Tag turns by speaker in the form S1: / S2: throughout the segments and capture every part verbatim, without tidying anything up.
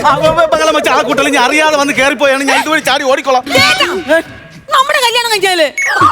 S1: ബഹളം വെച്ച് ആ കുട്ടികൾ ഞാൻ അറിയാതെ വന്ന് കയറിപ്പോയാണ് ഞാൻ ഇതുവഴി ചാടി ഓടിക്കോളാം.
S2: നമ്മുടെ കല്യാണം കഴിച്ചാല്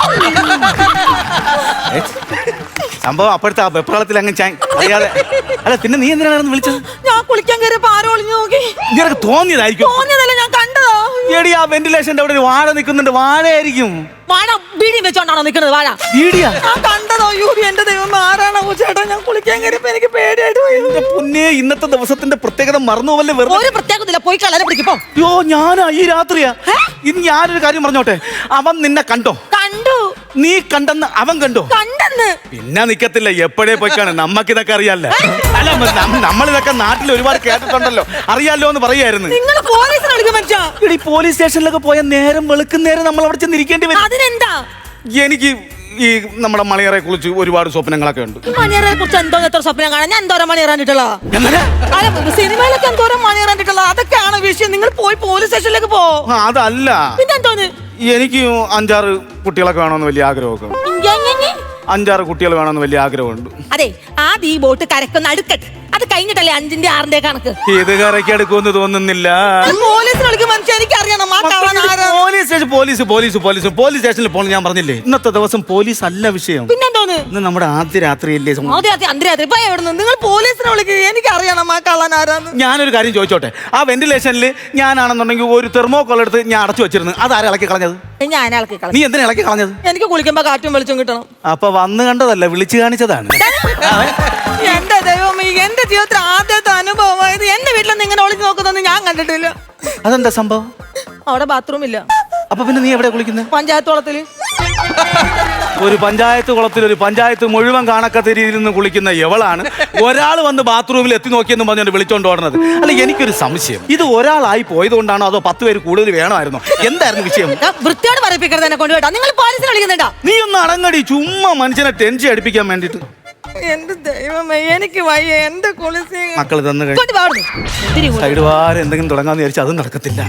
S1: സംഭവം അപ്പോഴത്തെ ആ വെപ്രാളത്തിൽ അങ്ങ് ചാൻ അറിയാതെ. അല്ല പിന്നെ നീ എന്തിനാണ് വിളിച്ചത്?
S2: ഞാൻ കുളിക്കാൻ കയറിയപ്പോ ആരോ ഒളിഞ്ഞു നോക്കി.
S1: നിനക്ക് തോന്നിയതായിരിക്കും.
S2: തോന്നിയതല്ല, ഞാൻ കണ്ടതാ.
S1: എടി ആ വെന്റിലേഷന്റെ അവിടെ ഒരു വാഴ നിൽക്കുന്നുണ്ട്. വാഴയായിരിക്കും.
S2: വാഴ ബീഡി വെച്ചോണ്ടാണോ നിൽക്കുന്നത്? വാഴ
S1: ബീഡിയാ?
S2: ഞാൻ കണ്ടതോ. യൂരി എന്റെ ദൈവം ആരാണോ ചേട്ടാ? ഞാൻ കുളിക്കാൻ കയറിയപ്പോ എനിക്ക് പേടിയായിട്ട് പോയി.
S1: പുന്നേ, ഇന്നത്തെ ദിവസത്തിന്റെ പ്രത്യേകത മറന്നുപോവല്ലേ? വെറുതെ
S2: ഒരു പ്രത്യേകതയില്ല, പോയി കളരെ പിടിക്കപ്പോ.
S1: യോ ഞാനാ ഈ രാത്രിയാ. ഇനി ഞാനൊരു കാര്യം പറഞ്ഞോട്ടെ. അവൻ നിന്നെ കണ്ടോ?
S2: കണ്ടു.
S1: നീ കണ്ടെന്ന് അവൻ കണ്ടോ?
S2: കണ്ടെന്ന്.
S1: പിന്നെ നിക്കത്തില്ല, എപ്പോഴേ പോയിക്കാണ്. നമ്മക്ക് ഇതൊക്കെ അറിയാല്ലേ? അല്ല നമ്മളിതൊക്കെ നാട്ടിൽ ഒരുപാട് കേട്ടിട്ടുണ്ടല്ലോ, അറിയാലോ എന്ന് പറയായിരുന്നു.
S2: നിങ്ങൾ പോലീസിനെ വിളിക്കും മനുഷ്യ.
S1: ഇടി പോലീസ് സ്റ്റേഷനിലൊക്കെ പോയ നേരം വെളുക്കുന്നേരം നമ്മൾ അവിടെ ചെന്നിരിക്കേണ്ടി വരും.
S2: അതിനെന്താ?
S1: എനിക്ക് ഈ നമ്മുടെ മണിയറെ കുറിച്ച് ഒരുപാട് സ്വപ്നങ്ങളൊക്കെ ഉണ്ട്.
S2: മണിയറെ കുറിച്ച് എന്തോ എത്ര സ്വപ്നം കാണാൻ? ഞാൻ എന്തോരം മണിയറാനിട്ടുള്ള സിനിമയിലൊക്കെ എന്തോരം മണിയറാനിട്ടുള്ള അതൊക്കെയാണ് വിഷയം. നിങ്ങൾ പോയി പോലീസ് സ്റ്റേഷനിലേക്ക് പോ.
S1: അതല്ല,
S2: പിന്നെന്തോന്ന്?
S1: എനിക്ക് അഞ്ചാറ് കുട്ടികളൊക്കെ വേണമെന്ന് വലിയ ആഗ്രഹമൊക്കെ. അഞ്ചാറ് കുട്ടികൾ വേണമെന്ന് വലിയ ആഗ്രഹമുണ്ട്.
S2: അതെ, ആദ്യം ഈ ബോട്ട് കരക്കുന്ന അടുക്കട്ട്. അത് കഴിഞ്ഞിട്ടല്ലേ അഞ്ചിന്റെ ആറിന്റെ കണക്ക്.
S1: ഇത് കരയ്ക്ക് എടുക്കുമെന്ന് തോന്നുന്നില്ല.
S2: പോലീസിനെ വിളിക്കും മനുഷ്യ. എനിക്കറിയണം
S1: police police police police police സ്റ്റേഷനിൽ പോകണം. ഞാൻ പറഞ്ഞില്ലേ, ഇന്നത്തെ ദിവസം പോലീസ് അല്ല വിഷയം.
S2: പിന്നെന്തോന്ന്?
S1: ഇന്ന് നമ്മുടെ ആദ്യ രാത്രിയല്ലേ?
S2: ആദ്യ ആദ്യ അന്തരാത്രി. ഇപ്പൊ എവിടുന്ന് നിങ്ങൾ പോലീസിനെ വിളിക്കുക? എനിക്കറിയണം ആ കള്ളൻ ആരാന്ന്.
S1: ഞാനൊരു കാര്യം ചോദിച്ചോട്ടെ. ആ വെന്റിലേഷനിൽ ഞാനാണെന്നുണ്ടെങ്കിൽ ഒരു തെർമോക്കോൾ എടുത്ത് ഞാൻ അടച്ചു വെച്ചിരുന്നു. അതാരെ ഇളക്കി കളഞ്ഞത്?
S2: ഞാൻ ഇളക്കി കളഞ്ഞു.
S1: നീ എന്തിനാ ഇളക്കി കളഞ്ഞത്?
S2: എനിക്ക് കുളിക്കുമ്പോ കാറ്റും വെളിച്ചം കിട്ടണം.
S1: അപ്പൊ വന്ന് കണ്ടതല്ല, വിളിച്ചു കാണിച്ചതാണ്.
S2: എന്റെ ദൈവം, എന്റെ ജീവിതത്തിൽ ആദ്യത്തെ അനുഭവമായത്. എന്റെ വീട്ടിലൊന്നും ഇങ്ങനെ ഒളിച്ചു നോക്കുന്നൊന്നും ഞാൻ കണ്ടിട്ടില്ല.
S1: അതെന്താ സംഭവം?
S2: അവിടെ ബാത്റൂം ഇല്ല.
S1: അപ്പൊ പിന്നെ നീ എവിടെ കുളിക്കുന്നത്?
S2: പഞ്ചായത്ത് കുളത്തില്.
S1: ഒരു പഞ്ചായത്ത് കുളത്തിൽ ഒരു പഞ്ചായത്ത് മുഴുവൻ കാണക്കത്ത രീതിയിൽ നിന്ന് കുളിക്കുന്ന എവളാണ് ഒരാൾ വന്ന് ബാത്റൂമിൽ എത്തി നോക്കിയെന്ന് പറഞ്ഞുകൊണ്ട് വിളിച്ചോണ്ട് ഓടുന്നത്? അല്ല, എനിക്കൊരു സംശയം, ഇത് ഒരാളായി പോയതുകൊണ്ടാണോ അതോ പത്ത് പേര് കൂടുതൽ വേണമായിരുന്നോ? എന്തായിരുന്നു വിഷയം?
S2: വൃത്തിയോട് പറയിപ്പിക്കരുത് എന്നെ കൊണ്ടുപോയിട്ടാ. നിങ്ങൾ പോലീസിനെ വിളിക്കുന്നുണ്ടാ?
S1: നീ ഒന്ന് അടങ്ങടി, ചുമ്മാ മനുഷ്യനെ ടെൻഷൻ അടിപ്പിക്കാൻ വേണ്ടിട്ട്.
S2: എന്റെ ദൈവമേ, എനിക്ക് വയ്യ. എന്റെ കുളിസി
S1: മക്കൾ തന്നു കഴിഞ്ഞു സൈഡ് വാരം എന്തെങ്കിലും തുടങ്ങാന്ന് വിചാരിച്ചാൽ അതും നടക്കത്തില്ല.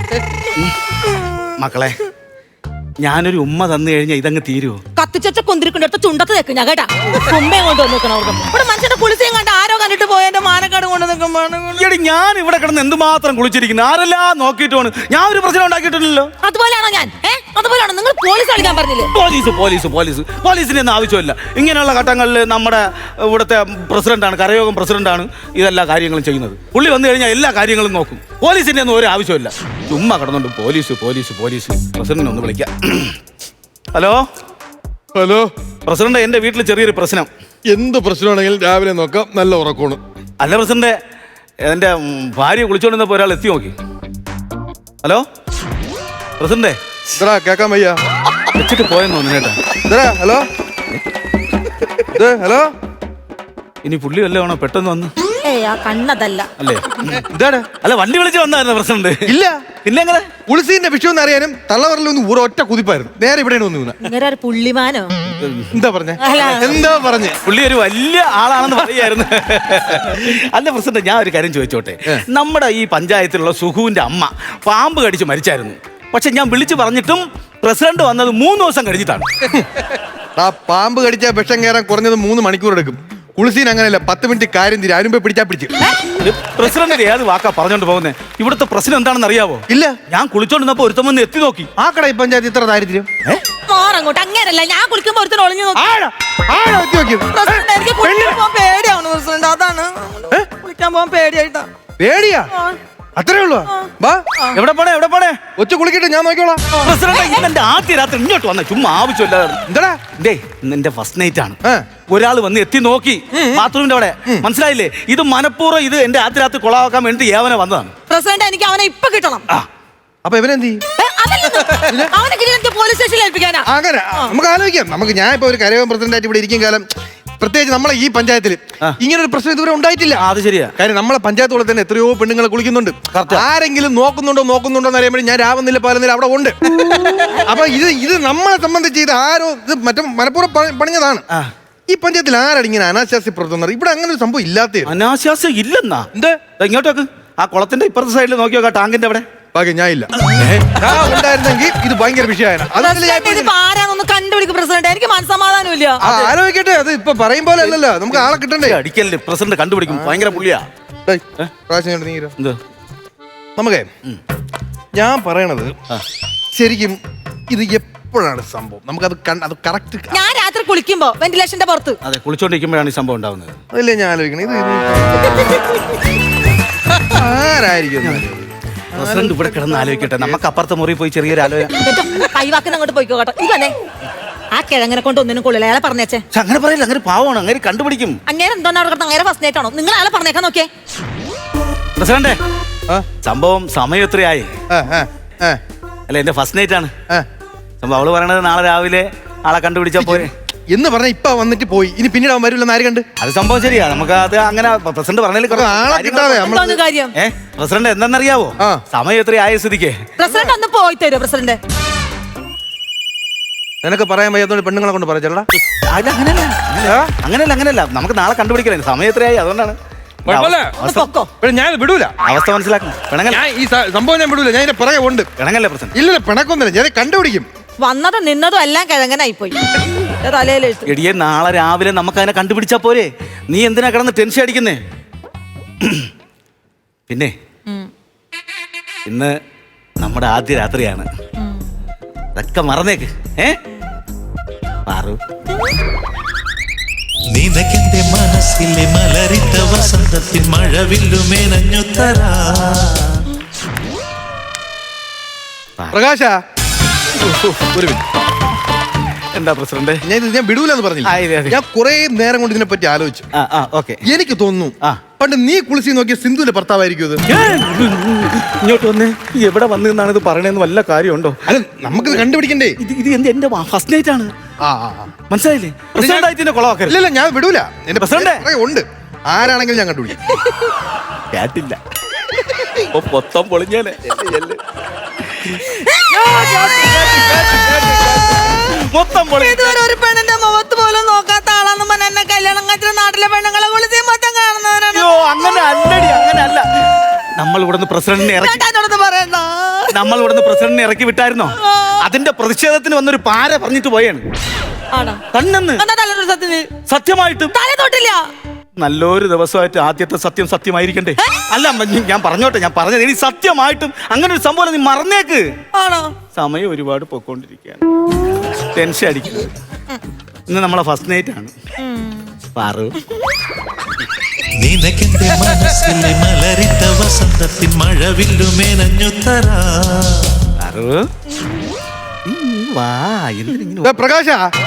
S1: മക്കളെ, ഞാനൊരു ഉമ്മ തന്നു കഴിഞ്ഞാൽ ഇതങ്ങ് തീരുവോ?
S2: കത്തിച്ച കുന്തിരിക്കൊണ്ടടുത്ത് ചുണ്ടത്ത് വെക്കും ഞാൻ കേട്ടാ. ഉമ്മയും കൊണ്ട് വന്നിരിക്കണം അവിടെ. ഇവിടെ മനുഷ്യന്റെ കുളിസയും കണ്ട് ആരോ കണ്ടിട്ട് പോയ എന്റെ മാനക്കാട് കൊണ്ട് നിൽക്കുമ്പോൾ
S1: ഞാൻ ഇവിടെ കിടന്ന് എന്തുമാത്രം കുളിച്ചിരിക്കുന്നു. ആരെല്ലാം നോക്കിയിട്ട് പോണ്. ഞാൻ ഒരു പ്രശ്നം ഉണ്ടാക്കിയിട്ടില്ലല്ലോ.
S2: അതുപോലെയാണോ ഞാൻ? അതുപോലെയാണോ നിങ്ങൾ പോലീസ് കളിക്കാൻ പറഞ്ഞില്ലേ?
S1: പോലീസ് പോലീസ് പോലീസ് പോലീസിന്റെ ഒന്നും ആവശ്യമില്ല. ഇങ്ങനെയുള്ള ഘട്ടങ്ങളിൽ നമ്മുടെ ഇവിടുത്തെ പ്രസിഡന്റാണ്, കരയോഗം പ്രസിഡന്റാണ് ഇതെല്ലാ കാര്യങ്ങളും ചെയ്യുന്നത്. പുള്ളി വന്നു കഴിഞ്ഞാൽ എല്ലാ കാര്യങ്ങളും നോക്കും. പോലീസിന്റെ ഒന്നും ഒരു ആവശ്യമില്ല. ചുമ്മാ കിടന്നുണ്ട് പോലീസ് പോലീസ് പോലീസ്. പ്രസിഡന്റിനെ ഒന്ന് വിളിക്കാം. ഹലോ
S3: ഹലോ
S1: പ്രസിഡന്റ്, എന്റെ വീട്ടിൽ ചെറിയൊരു പ്രശ്നം.
S3: എന്ത് പ്രശ്നമാണെങ്കിലും രാവിലെ നോക്കാം. നല്ല ഉറക്കമാണ്.
S1: അല്ല പ്രസിഡന്റ്, എന്റെ ഭാര്യ കുളിച്ചോണ്ടിരുന്നപ്പോ ഒരാൾ എത്തി നോക്കി. ഹലോ പ്രസിഡന്റേ.
S3: ഇതാ കേക്കാൻ വയ്യ.
S1: വെച്ചിട്ട് പോയെന്ന് തോന്നുന്നു കേട്ടാ.
S3: ഇതാ ഹലോ ഹലോ.
S1: ഇനി പുള്ളി വല്ലതാണോ പെട്ടെന്ന് വന്ന്?
S2: ഏയ്, ആ കണ്ണതല്ല.
S1: അല്ലേ?
S3: ഇതാണ്.
S1: അല്ല, വണ്ടി വിളിച്ച് വന്നായിരുന്നു പ്രസിഡന്റ്.
S3: ഇല്ല.
S1: പിന്നെ എങ്ങനെ?
S3: പുളിസീന്റെ വിഷയം എന്ന് അറിയാനും തള്ളവരലൊന്നും ഒരു ഒറ്റ കുതിപ്പായിരുന്നു. നേരെ ഇവിടെയാണ് വന്നു.
S2: ഇങ്ങനെ ഒരു പുള്ളിമാനോ?
S3: എന്താ പറഞ്ഞേ? എന്താ പറഞ്ഞേ?
S1: പുള്ളി ഒരു വലിയ ആളാണെന്ന് പറയായിരുന്നു. അല്ല പ്രസിഡന്റ്, ഞാൻ ഒരു കാര്യം ചോദിച്ചോട്ടെ. നമ്മുടെ ഈ പഞ്ചായത്തിലുള്ള സുഖുവിന്റെ അമ്മ പാമ്പ് കടിച്ച് മരിച്ചായിരുന്നു. പക്ഷെ ഞാൻ വിളിച്ചു പറഞ്ഞിട്ടും പ്രസിഡന്റ് വന്നത് മൂന്ന് ദിവസം കഴിഞ്ഞിട്ടാണ്.
S3: ആ പാമ്പ് കടിച്ച വിഷം കയറാൻ കുറഞ്ഞത് മൂന്ന് മണിക്കൂർ എടുക്കും. കുളിസീൻ അങ്ങനെയല്ല, പത്ത് മിനിറ്റ് കാര്യം തീരും. അതിനുമ്പേ പിടിച്ചാ പിടിച്ച്.
S1: പ്രസിഡന്റ് ഏത് വാക്കാ പറഞ്ഞോണ്ട് പോകുന്നത്? ഇവിടുത്തെ പ്രശ്നം എന്താണെന്ന് അറിയാവോ?
S3: ഇല്ല.
S1: ഞാൻ കുളിച്ചോണ്ടിരുന്നപ്പോ ഒരുത്തം വന്ന് എത്തി നോക്കി.
S3: ആ കട ഈ പഞ്ചായത്ത് ഇത്ര ദാരിദ്ര്യം?
S2: മാറങ്ങോട്ട്. അങ്ങനെയല്ല, ഞാൻ കുളിക്കുമ്പോ ഒരുത്തൻ ഒളിഞ്ഞു നോക്കി.
S3: എനിക്ക്
S2: കുളിക്കാൻ പോകാൻ പേടിയാണ് പ്രസിഡന്റ്. അതാണ് കുളിക്കാൻ പോകാൻ പേടിയായിട്ടാ.
S3: പേടിയാ? അത്രേ ഉള്ളൂ. വാ.
S1: എവിടെ പോണേ എവിടെ പോണേ?
S3: ഒച്ച കുളിക്കട്ടെ, ഞാൻ നോക്കിയോളാം.
S1: പ്രസിഡന്റ് ആദ്യ രാത്രി ഇങ്ങോട്ട് വന്ന ചുമ്മാ ആവശ്യമില്ലാതെ.
S3: എന്താ
S1: ഡേ, നിന്റെ ഫസ്റ്റ് നൈറ്റ് ആണ്. ഒരാൾ വന്ന് എത്തി നോക്കി ബാത്റൂമിന്റെ അവിടെ. മനസ്സിലായില്ലേ? ഇത് മനഃപൂർവ്വം ഇത് എന്റെ ആദ്യ രാത്രി കൊളാക്കാൻ വേണ്ടി ഏവനെ വന്നതാണ്.
S2: പ്രസിഡന്റ്, എനിക്ക് അവനെ ഇപ്പൊ കിട്ടണം.
S3: അപ്പൊ ഇവനെന്ത് ചെയ്യും?
S2: അവനെ കിട്ടി പോലീസ് സ്റ്റേഷനിൽ ഏൽപ്പിക്കാനാ.
S3: അങ്ങനെ നമുക്ക് ആലോചിക്കാം. നമുക്ക് ഞാൻ ഇപ്പൊ ഒരു കരയോഗം പ്രസിഡന്റായിട്ട് ഇവിടെ ഇരിക്കും കാലം, പ്രത്യേകിച്ച് നമ്മളെ ഈ പഞ്ചായത്തിൽ ഇങ്ങനെ ഒരു പ്രശ്നം ഇതുവരെ ഉണ്ടായിട്ടില്ല.
S1: അത് ശരിയാ.
S3: കാര്യം നമ്മളെ പഞ്ചായത്തോടെ തന്നെ എത്രയോ പെണ്ണുങ്ങൾ കുളിക്കുന്നുണ്ട്. ആരെങ്കിലും നോക്കുന്നുണ്ടോ നോക്കുന്നുണ്ടോ എന്ന് അറിയുമ്പോൾ ഞാൻ രാവുന്നില്ല പാലുന്നില്ല അവിടെ ഉണ്ട്. അപ്പൊ ഇത് ഇത് നമ്മളെ സംബന്ധിച്ച് ഇത് ആരോ ഇത് മറ്റേ മനഃപൂർവ്വം പണിഞ്ഞതാണ്. ഈ പഞ്ചായത്തിൽ ആരാണ് ഇങ്ങനെ അനാശാസ്യ പ്രവർത്തനം? ഇവിടെ അങ്ങനെ ഒരു സംഭവം ഇല്ലാത്ത.
S1: അനാശാസ്യം ഇല്ലെന്നാ?
S3: എന്ത്?
S1: ഇങ്ങോട്ടേക്ക് ആ കുളത്തിന്റെ ഇപ്പുറത്തെ സൈഡിൽ നോക്കിയോ, ടാങ്കിന്റെ അവിടെ.
S3: ബാക്കി ഞാൻ ഇല്ല. ഉണ്ടായിരുന്നെങ്കിൽ ഇത് ഭയങ്കര വിഷയമാണ്.
S2: ആരാന്നൊന്ന് കണ്ടുപിടിക്കും പ്രസിഡന്റ്. എനിക്ക് മനസ്സമാധാനം ഇല്ല.
S3: ആലോചിക്കട്ടെ. അത് ഇപ്പൊ പറയും പോലെ അല്ലല്ലോ, നമുക്ക് ആളെ കിട്ടണ്ടേ.
S1: അടിക്കല്ലേ പ്രസിഡന്റ് കണ്ടുപിടിക്കും. ഭയങ്കര പുള്ളിയാ.
S3: നമുക്കേ ഞാൻ പറയണത് ശരിക്കും ഇത് എപ്പോഴാണ് സംഭവം? നമുക്കത് കണ്ട അത് കറക്റ്റ്
S2: ഞാൻ രാത്രി കുളിക്കുമ്പോ വെന്റിലേഷന്റെ പുറത്ത്.
S1: അതെ, കുളിച്ചോണ്ടിരിക്കുമ്പോഴാണ് ഈ സംഭവം ഉണ്ടാവുന്നത്.
S3: അതല്ലേ ഞാൻ ആലോചിക്കണേ. ഇത് ആരായിരിക്കും?
S1: പ്രസിഡന്റ് ഇവിടെ കിടന്ന് ആലോചിക്കട്ടെ. നമുക്ക് അപ്പുറത്തെ മുറി പോയി ചെറിയൊരു ആലോചന.
S2: കൈവാക്കുന്ന അങ്ങോട്ട് പോയിക്കോ കേട്ടോ. ഈ വന്നേ, ആ കിഴങ്ങനെ കൊണ്ട് ഒന്നിനും കൊള്ളില്ല. അയാളെ പറഞ്ഞേച്ചേ.
S1: പക്ഷെ അങ്ങനെ പറയില്ല, അങ്ങനെ പാവമാണ്, അങ്ങനെ കണ്ടുപിടിക്കും.
S2: അങ്ങനെ എന്തോന്നാ അവിടെ കിടന്ന് അങ്ങനെ ഫസ്റ്റ് നൈറ്റ് ആണോ? നിങ്ങൾ അയാളെ പറഞ്ഞേക്കാൻ നോക്കിയേ.
S1: പ്രസിഡന്റ്,
S3: ആ?
S1: സംഭവം സമയം എത്രയായി?
S3: ആ, ആ, ആ,
S1: അല്ല, എന്റെ ഫസ്റ്റ് നൈറ്റ് ആണ്
S3: ആ.
S1: സംഭവം. അവള് പറയണത് നാളെ രാവിലെ ആളെ കണ്ടുപിടിച്ചാ പോരെ
S3: എന്ന് പറഞ്ഞ ഇപ്പൊ വന്നിട്ട് പോയി, ഇനി പിന്നീട് അവൻ വരില്ലെന്ന് ആര് കണ്ട്?
S1: അത് സംഭവം ശരിയാ. നമുക്ക് അത് അങ്ങനെ പ്രസിഡന്റ് പറഞ്ഞതിൽ കുറേ
S3: ആളെ കിട്ടാതെ
S2: എന്തോന്ന് കാര്യം?
S1: ഏ പ്രസിഡന്റ് എന്താണെന്നറിയാവോ?
S3: ആ.
S1: സമയം എത്രയായ സ്ഥിതിക്ക്
S2: പ്രസിഡന്റ് ഒന്ന് പോയി തരുമോ? പ്രസിഡന്റ്
S3: നിനക്ക് പറയാൻ വയ്യാത്തോണ്ട് പെണ്ണുങ്ങളെ കൊണ്ട് പറയച്ചേടാ.
S1: അല്ല, അങ്ങനെയല്ല അങ്ങനെയല്ല അങ്ങനെയല്ല നമുക്ക് നാളെ കണ്ടുപിടിക്കലേ. സമയം എത്രയായി, അതുകൊണ്ടാണ്.
S2: ഒന്ന് പൊക്കോ.
S3: പക്ഷെ ഞാൻ വിടൂല.
S1: അവസ്ഥ മനസ്സിലാക്കണം. പിണങ്ങല്ല,
S3: ഞാൻ ഈ സ- സംഭവം ഞാൻ വിടൂല. ഞാൻ ഇതിന്റെ പിറകെ ഉണ്ട്.
S1: പിണങ്ങല്ലേ പ്രസിഡന്റ്?
S3: ഇല്ലല്ല, പിണക്കൊന്നുമില്ല. ഞാൻ കണ്ടുപിടിക്കും.
S2: വന്നതും നിന്നതും എല്ലാം കിഴങ്ങനായി പോയി. തലയിലെഴുത്ത്.
S1: എടിയെ, നാളെ രാവിലെ നമുക്ക് അതിനെ കണ്ടുപിടിച്ചാ പോരെ. നീ എന്തിനാ കിടന്ന് ടെൻഷൻ അടിക്കുന്നേ? പിന്നെ ഇന്ന് നമ്മുടെ ആദ്യ രാത്രിയാണ്. അതൊക്കെ മറന്നേക്ക്. ഏ പാറു,
S4: നിനക്കെന്റെ മനസ്സിലെ മലരിത്ത വസന്തത്തിൽ മഴവില്ലുമേനഞ്ഞു തരാ.
S3: പ്രകാശ, ഒരു മിനിറ്റ്.
S1: എന്താ പ്രസിഡന്റ്?
S3: ഞാൻ ഇത് ഞാൻ വിടൂലെന്ന് പറഞ്ഞില്ല.
S1: ആ, ഇതെ, ഇതെ.
S3: ഞാൻ കുറെ നേരം കൊണ്ട് ഇതിനെ പറ്റി ആലോചിച്ചു.
S1: ആ ആ ഓക്കെ.
S3: എനിക്ക് തോന്നുന്നു
S1: ആ.
S3: പണ്ട് നീ കുളിച്ച് നോക്കിയ സിന്ധുവിന്റെ ഭർത്താവായിരിക്കും ഇത്.
S1: ഇങ്ങോട്ട് വന്നേ. എവിടെ വന്നു എന്നാണ് ഇത് പറയണേന്ന് വല്ല കാര്യമുണ്ടോ?
S3: അല്ല, നമുക്കിത് കണ്ടുപിടിക്കണ്ടേ?
S1: ഇത് ഇത് എന്ത് എന്റെ ഫസ്റ്റ് നൈറ്റ് ആണ്,
S3: ആ, ആ, ആ.
S1: മനസ്സിലായില്ലേ? പ്രസിഡന്റ് ആയിട്ട് ഇതിനെ കൊളവാക്കരുത്.
S3: ഇല്ല, ഞാൻ വിടൂല. എന്റെ
S1: പ്രസിഡന്റ്.
S3: പിറകെ ഉണ്ട്. ആരാണെങ്കിലും ഞാൻ കണ്ടുപിടിക്കും.
S1: കേട്ടില്ല. ഓ, മൊത്തം പൊളിഞ്ഞേനെ. മൊത്തം പൊളി.
S2: ഇതുവരെ ഒരു പെണ്ണിന്റെ മുഖത്ത് പോലും നോക്കാത്ത ആളാന്ന് പറഞ്ഞ എന്നെ കല്യാണം കഴിച്ച നാട്ടിലെ പെണ്ണുങ്ങളെ കുളിച്ച് മൊത്തം കാണുന്നവരാണ്.
S1: അയ്യോ, അങ്ങനെ അല്ലടി, അങ്ങനെ അല്ല. നമ്മൾ ഇവിടുന്ന് പ്രസിഡന്റിനെ ഇറക്കി
S2: ചേട്ടാ പറയണ്ട.
S1: നമ്മൾ ഇവിടുന്ന് പ്രസിഡന്റിനെ ഇറക്കി വിട്ടായിരുന്നോ? അതിന്റെ പ്രതിഷേധത്തിന് വന്നൊരു പാര പറഞ്ഞിട്ട് പോയാണ്.
S2: ആണോ?
S1: കണ്ണെന്ന്
S2: എന്നാ തലൊരു സത്യത്തിന്
S1: സത്യമായിട്ടും
S2: തല തൊട്ടില്ല.
S1: നല്ലൊരു ദിവസമായിട്ട് ആദ്യത്തെ സത്യം സത്യമായിരിക്കണ്ടേ? അല്ല, മ- ഞാൻ പറഞ്ഞോട്ടെ, ഞാൻ പറഞ്ഞത് ഇനി സത്യമായിട്ടും അങ്ങനെ ഒരു സംഭവം നീ മറന്നേക്ക്.
S2: ആണോ?
S1: സമയം ഒരുപാട് പൊക്കോണ്ടിരിക്കുകയാണ്. ടെൻഷൻ അടിക്കുന്നത്. ഇന്ന് നമ്മളെ ഫസ്റ്റ് നൈറ്റ് ആണ്. പാറു,
S4: നിനക്കെന്റെ മനസ്സിലെ മലരിത്ത വസന്തത്തിൽ മഴവില്ലുമേനഞ്ഞു തരാ.
S1: പാറു, നീ വാ. എന്തിനിങ്ങനെ
S3: ദാ പ്രകാശ,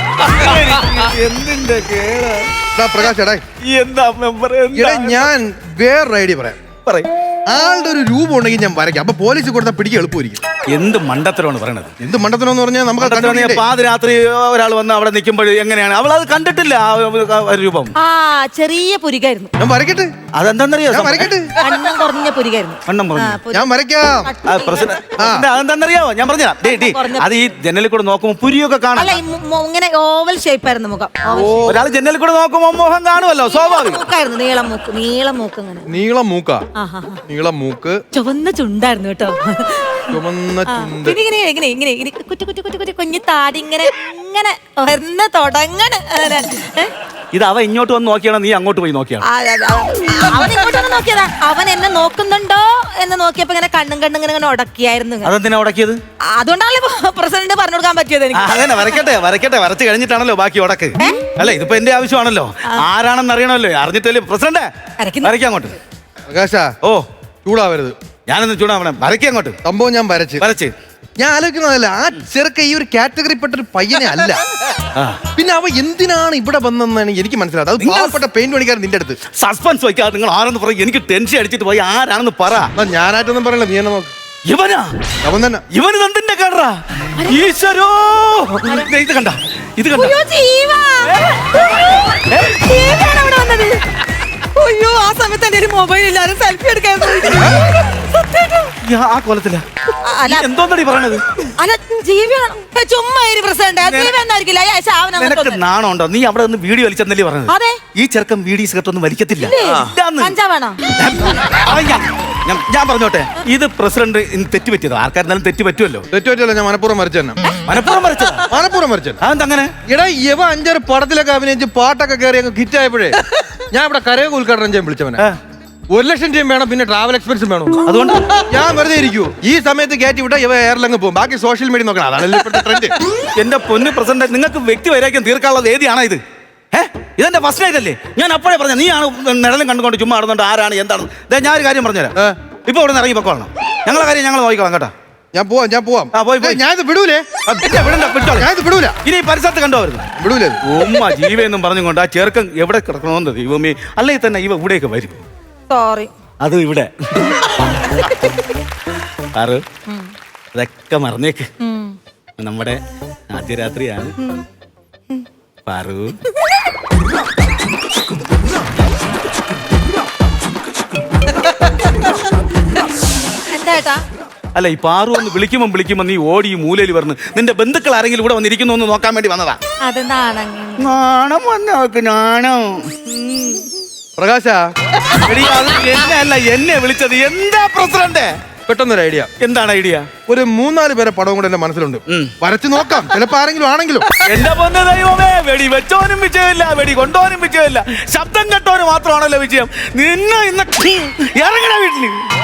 S1: എന്തിന്റെ കേടാ?
S3: ദാ പ്രകാശ, എടാ.
S1: എന്താ മെമ്പർ?
S3: എടാ, ഞാൻ വേറൊരു ഐഡിയ പറയാം.
S1: പറയും.
S3: ആളുടെ ഒരു രൂപം ഉണ്ടെങ്കിൽ ഞാൻ വരയ്ക്കാം. അപ്പൊ പോലീസ് കൊടുത്താൽ പിടിക്കാൻ എളുപ്പമായിരിക്കും.
S1: എന്ത് മണ്ടത്തരമാണ് പറയണത്?
S3: എന്ത് മണ്ടത്തരം പറഞ്ഞാൽ നമുക്ക് അത്
S1: മണ്ടത്തരം.
S3: കണ്ടുപിടിക്കണ്ടേ?
S1: പാതിരാത്രി ഒരാൾ വന്ന് അവിടെ നിൽക്കുമ്പോൾ എങ്ങനെയാണ് അവൾ അത് കണ്ടിട്ടില്ല? ആ ഒരു രൂപം
S2: ആ ചെറിയ പുരികായിരുന്നു.
S3: ഞാൻ വരയ്ക്കട്ടെ.
S1: അതെന്താന്നറിയോ?
S3: ഞാൻ വരയ്ക്കട്ടെ.
S2: കണ്ണം കുറഞ്ഞ പുരികായിരുന്നു.
S1: വണ്ണം പറഞ്ഞു.
S2: ആ, പുരി-
S3: ഞാൻ വരയ്ക്കാം.
S1: ആ, പ്രസിഡന്റ്, പ്രസിഡന്റ്, അതെന്താന്നറിയാവോ? ഞാൻ പറഞ്ഞ അത് ഈ ജനലിൽ കൂടെ നോക്കുമ്പോ പുരിയൊക്കെ കാണാം.
S2: അല്ല, ഈ മു- മു- ഇങ്ങനെ ഓവൽ ഷേപ്പ് ആയിരുന്നു മുഖം. ഓവൽ
S1: ഒരാൾ ജനലിൽ കൂടെ നോക്കുമ്പോ മോഹം കാണുമല്ലോ, സ്വാഭാവികം.
S2: മൂക്കായിരുന്നു. നീളം മൂക്ക്. നീളം മൂക്ക് അങ്ങനെ.
S3: നീളം മൂക്ക.
S2: ആഹാ.
S3: നീളം മൂക്ക്,
S2: ചുവന്ന ചുണ്ടായിരുന്നു കേട്ടോ.
S3: ചുമന്ന
S2: ആ,
S3: ചുണ്ട്.
S2: പിന്നെ ഇങ്ങനെ ഇങ്ങനെ ഇങ്ങനെ ഇങ്ങനെ കുറ്റി കുറ്റി കുറ്റി കുറ്റി കുഞ്ഞു താടി ഇങ്ങനെ ഇങ്ങനെ വരുന്ന തുടങ്ങണ്. അങ്ങനെ. ഏ?
S1: ഇത് അവ ഇങ്ങോട്ട് വന്ന് നോക്കിയാണോ നീ അങ്ങോട്ട് പോയി നോക്കിയാണോ?
S2: ആ, ആ, ആ, അവൻ ഇങ്ങോട്ടൊന്ന് നോക്കിയതാ. അവൻ എന്നെ നോക്കുന്നുണ്ടോ എന്ന് നോക്കിയപ്പോ ഇങ്ങനെ കണ്ണും കണ്ണും ഇങ്ങനെ ഇങ്ങനെ ഉടക്കിയായിരുന്നു.
S1: അതെന്തിനാ ഉടക്കിയത്?
S2: അതുകൊണ്ടാണല്ലോ പ്രസിഡന്റ് പറഞ്ഞു കൊടുക്കാൻ പറ്റിയത്
S1: ആ,
S2: എനിക്ക്.
S1: അതന്നെ, വരയ്ക്കട്ടെ വരയ്ക്കട്ടെ. വരച്ച് കഴിഞ്ഞിട്ടാണല്ലോ ബാക്കി ഉടക്ക്. അല്ല, ഇതിപ്പോ എന്റെ ആവശ്യമാണല്ലോ. ആരാണെന്ന് അറിയണമല്ലോ. അറിഞ്ഞിട്ടല്ലേ പ്രസിഡന്റ്
S2: വരയ്ക്കുന്നു.
S1: വരയ്ക്കാൻ അങ്ങോട്ട്.
S3: പ്രകാശ,
S1: ഓ,
S3: ചൂടാവരുത്.
S1: ഞാനൊന്ന് ചൂടാവണേ. വരയ്ക്കാൻ അങ്ങോട്ട്.
S3: സംഭവം ഞാൻ വരച്ച്
S1: വരച്ച്
S3: ഞാൻ ആലോചിക്കുന്നതല്ല, ആ ചെറുക്ക ഈ ഒരു കാറ്റഗറിപ്പെട്ട ഒരു പയ്യനെ അല്ല.
S1: ആ,
S3: പിന്നെ അവ എന്തിനാണ് ഇവിടെ വന്നെന്നാണ് എനിക്ക് മനസ്സിലായത്. അത്
S1: നിങ്ങൾ-
S3: പാവപ്പെട്ട പെയിന്റ് പണിക്കാരൻ നിന്റെ അടുത്ത്.
S1: സസ്പെൻസ് വയ്ക്കാതെ നിങ്ങൾ ആരെന്ന് പറയും. എനിക്ക് ടെൻഷൻ അടിച്ചിട്ട് പോയി ആരാണെന്ന് പറ.
S3: എന്നാ ഞാനായിട്ടൊന്നും പറയല്ല, നീ എന്നെ നോക്ക്.
S1: ഇവനാ?
S3: അവൻ തന്നെ.
S1: ഇവന് എന്തിന്റെ കേടാ? ഈശ്വരോ, ദേ ഇത് കണ്ട, ഇത് കണ്ട.
S2: അയ്യോ, ജീവ. ജീവയാണ് അവിടെ വന്നത്. അയ്യോ, ആ സമയത്ത് എന്റെ ഒരു മൊബൈൽ ഇല്ലാതെ സെൽഫി എടുക്കാൻ പോയി. സത്യായിട്ടും.
S1: ആ കോലത്തില
S2: അല്ല,
S1: എന്തോന്നടി പറയണത്?
S2: അല്ല, ജീവിയാണ്. ഏ, ചുമ്മാ ഇരി പ്രസിഡന്റ്. ജീവ എന്നായിരിക്കില്ല. അയ്യ, ശാവനം അങ്ങോട്ട്
S1: നിനക്ക്
S2: വന്ന്.
S1: നാണമുണ്ടോ? നീ അവിടെ നിന്ന് വീഡിയോ വലിച്ചെന്നല്ലേ പറഞ്ഞത്?
S2: അതെ.
S1: ഈ ചെറുക്കം വീഡിയോ സിഗരറ്റ് ഒന്നും വലിക്കത്തില്ല.
S2: ഇല്ലേ?
S1: ഇല്ലാന്ന്.
S2: കഞ്ചാവാണോ?
S1: അവൻ ഞാൻ- ഞാൻ- ഞാൻ പറഞ്ഞോട്ടെ, ഇത് പ്രസിഡന്റ് ഇന്ന് തെറ്റ് പറ്റിയതോ? ആർക്കാരുന്നാലും തെറ്റ് പറ്റുമല്ലോ.
S3: തെറ്റുപറ്റല്ല, ഞാൻ മനഃപൂർവ്വം വരച്ചു തന്നെ.
S1: മനഃപൂർവ്വം വരച്ചത്.
S3: മനഃപൂർവ്വം വരച്ചു.
S1: അതെന്തങ്ങനെ?
S3: എടാ, ഇവ അഞ്ചാറ് പടത്തിലൊക്കെ അഭിനയിച്ച് പാട്ടൊക്കെ കയറി അങ്ങ് ഹിറ്റായപ്പോഴേ ഞാൻ ഇവിടെ കരയൊക്കെ ഉദ്ഘാടനം ചെയ്യാൻ വിളിച്ചവനെ.
S1: ആ.
S3: ഒരു ലക്ഷം രൂപയും വേണം, പിന്നെ ട്രാവൽ എക്സ്പെൻസും വേണം.
S1: അതുകൊണ്ട്
S3: ഞാൻ വെറുതെ ഇരിക്കൂ. ഈ സമയത്ത് കയറ്റി വിട്ടാ ഇവ എയർലങ്ങ് പോകും. ബാക്കി സോഷ്യൽ മീഡിയ നോക്കണം. അതാണല്ലോ ഇപ്പോഴത്തെ ട്രെൻഡ്.
S1: എന്റെ പൊന്ന് പ്രസിഡന്റ്, നിങ്ങൾക്ക് വ്യക്തി വൈരാഗ്യം തീർക്കാനുള്ള വേദിയാണോ ഇത്? ഏഹ് ഇതെന്റെ ഫസ്റ്റ് നൈറ്റ് അല്ലേ? ഞാൻ അപ്പോഴേ പറഞ്ഞ നീയാണ് നിഴലും കണ്ടുകൊണ്ട് ചുമ്മാ നടന്നുകൊണ്ട് ആരാണ് എന്താണ്. ദേ ഞാൻ ഒരു കാര്യം പറഞ്ഞുതരാം. ഇപ്പൊ ഇവിടെ നിന്ന് ഇറങ്ങി പൊക്കോളണം. ഞങ്ങളെ കാര്യം ഞങ്ങൾ നോക്കിക്കോളാം കേട്ടോ.
S3: ഞാൻ പോവാം ഞാൻ പോവാം.
S1: ആ, പോയി, പോയി.
S3: ഞാനിത് വിടൂലേ?
S1: ആ, പിന്നെ വിടണ്ട, വിട്ടോളെ.
S3: ഞാനിത് വിടൂല.
S1: ഇനി ഈ പരിസരത്ത് കണ്ടോ വരുന്നു
S3: വിടൂലേ?
S1: ഉമ്മ ജീവെന്നും പറഞ്ഞുകൊണ്ട് ആ ചെറുക്കൻ എവിടെ കിടക്കണമെന്ന് ദൈവമേ. അല്ലെങ്കിൽ തന്നെ ഇവ ഇവിടേക്ക് വരും.
S2: സോറി.
S1: അത് ഇവിടെ ആറ് അതൊക്കെ മറന്നേക്ക്. നമ്മുടെ ആദ്യ രാത്രിയാണ് പാറു.
S2: എന്താ
S1: അല്ല, ഈ പാറു ഒന്ന് വിളിക്കുമ്പോ വിളിക്കുമ്പോ നീ ഓടി ഈ മൂലയിൽ പറഞ്ഞു. നിന്റെ ബന്ധുക്കൾ ആരെങ്കിലും ഇവിടെ വന്നിരിക്കുന്നു എന്ന് നോക്കാൻ വേണ്ടി വന്നതാ.
S2: അതെന്താണ്
S1: നാണം വന്നോക്ക് നാണം.
S3: പ്രകാശ,
S1: എടീ, അത് എന്നെ അല്ല എന്നെ വിളിച്ചത്. എന്താ പ്രസിഡന്റ്?
S3: പെട്ടെന്നൊരു ഐഡിയ.
S1: എന്താണ് ഐഡിയ?
S3: ഒരു മൂന്നാല് പേരെ പടവും കൂടെ എന്റെ മനസ്സിലുണ്ട്. വരച്ചു നോക്കാം, ചിലപ്പോ ആരെങ്കിലും ആണെങ്കിലും.
S1: എന്റെ പൊന്ന് ദൈവമേ, വെടി വെച്ചോനും വിജയമില്ല, വെടി കൊണ്ടോനും വിജയമില്ല, ശബ്ദം കേട്ടോനും മാത്രമാണല്ലോ വിജയം. നിന്നെ ഇന്ന് ഇറങ്ങണ വീട്ടില്.